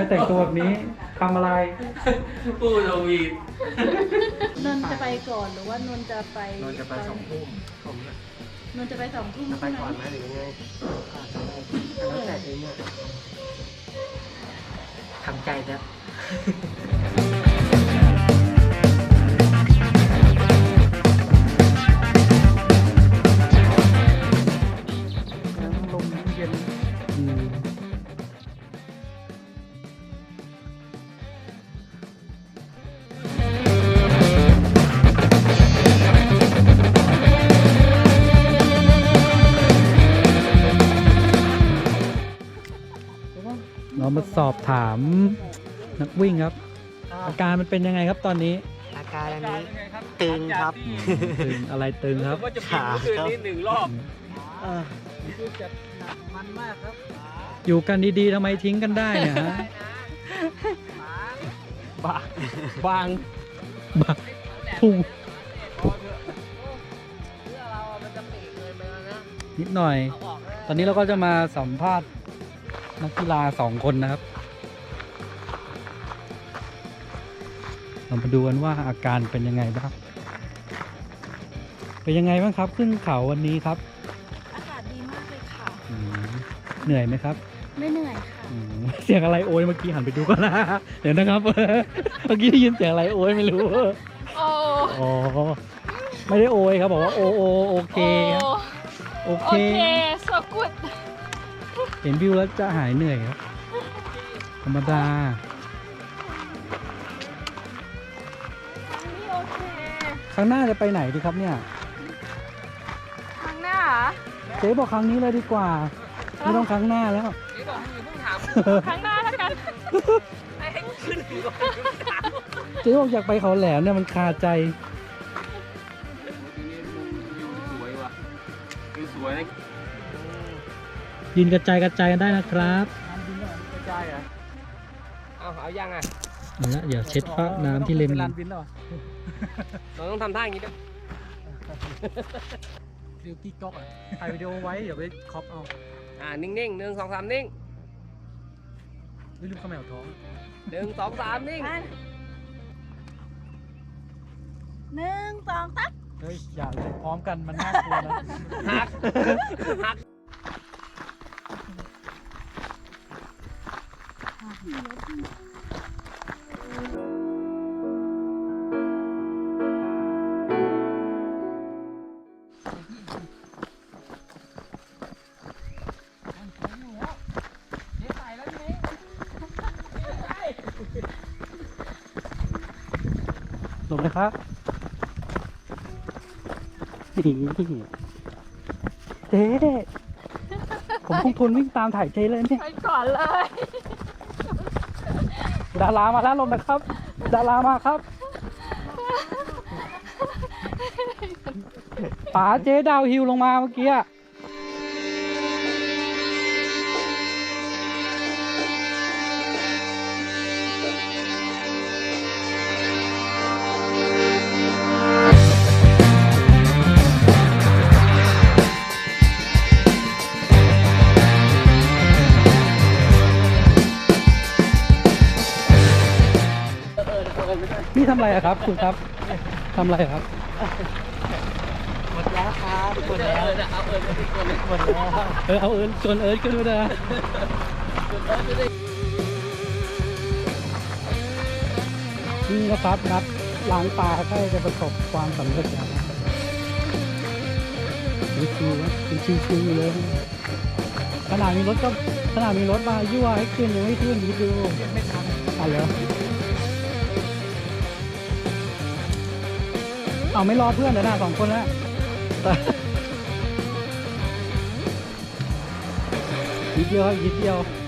แต่งตัวแบบนี้ทำอะไรพูดโดวีดนนท์จะไปก่อนหรือว่านนท์จะไปนนท์จะไป2 ทุ่มผมนนท์จะไป2 ทุ่มจะไปใช่ไหมก่อนไหมหรือยังไงแล้วแต่เองเนี่ยทำใจแล้วลมเย็นเรามาสอบถามนักวิ่งครับ อาการมันเป็นยังไงครับตอนนี้อาการอันนี้ตึงครับตึงอะไรตึงครับขาครับอยู่กันดีๆทำไมทิ้งกันได้เนี่ยฮะบางพุ่งนิดหน่อย ตอนนี้เราก็จะมาสัมภาษณ์นักกีฬา2 คนนะครับ เรามาดูกันว่าอาการเป็นยังไงบ้าง เป็นยังไงบ้างครับขึ้นเขาวันนี้ครับอากาศดีมากเลยค่ะอืมเหนื่อยไหมครับไม่เหนื่อยค่ะอืมเสียงอะไรโอยเมื่อกี้หันไปดูก่อนนะเดี๋ยวนะครับ เมื่อกี้ได้ยินเสียงอะไรโอยไม่รู้โอ้อ๋อไม่ได้โอยครับบอกว่าโอเคครับโอเค so good เห็นวิวแล้วจะหายเหนื่อยครับ ธรรมดานี่โอเคครั้งหน้าจะไปไหนดีครับเนี่ยครั้งหน้าเจ๊บอกครั้งนี้เลยดีกว่า ไม่ต้องครั้งหน้าแล้วครั้งหน้าแล้วกันเจ๊บอกอยากไปเขาแหลมเนี่ยมันคาใจสวยว่ะคือสวยนะยินกระจายกันได้นะครับกระจายอ่ะเอายังอ่ะเอาละเดี๋ยวเช็ดฟ้าน้ำที่เล็มเราต้องทำท่าอย่างนี้ด้วยฟิลกี้ก๊อกอ่ะถ่ายวิดีโอไว้เดี๋ยวไปคอปเอานิ่งๆ1 2 3นิ่งไม่ลืมข้าวแมวท้อง 1 2 3นิ่ง 1 2 3 เฮ้ยอย่าเลยพร้อมกันมันน่ากลัวนะหักหักหลบเลยครับนี่เจ๊ผมคงทนวิ่งตามถ่ายเจ๊เลยเนี่ยไปก่อนเลยดารามาแล้วลงนะครับ ดารามาครับป๋าเจ๊ดาวฮิวลงมาเมื่อกี้อะนี่ทำอะไรอะครับคุณครับทำอะไรอะครับหมดแล้วครับหมดแล้วเอาเอิญมาที่คนหมดแล้วเอาเอิญชวนเอิญขึ้นมาเลยนี่นะครับนัดล้างตาใกล้จะประสบความสำเร็จแล้วชิวๆครับชิวๆเลยขนาดมีรถมายั่วให้ขึ้นยังไม่ขึ้นคิดดูไม่ทันเหรอเอาไม่รอเพื่อนเดี๋ยวนะ2 คนแล้วยิดเดียวครับยิดเดียว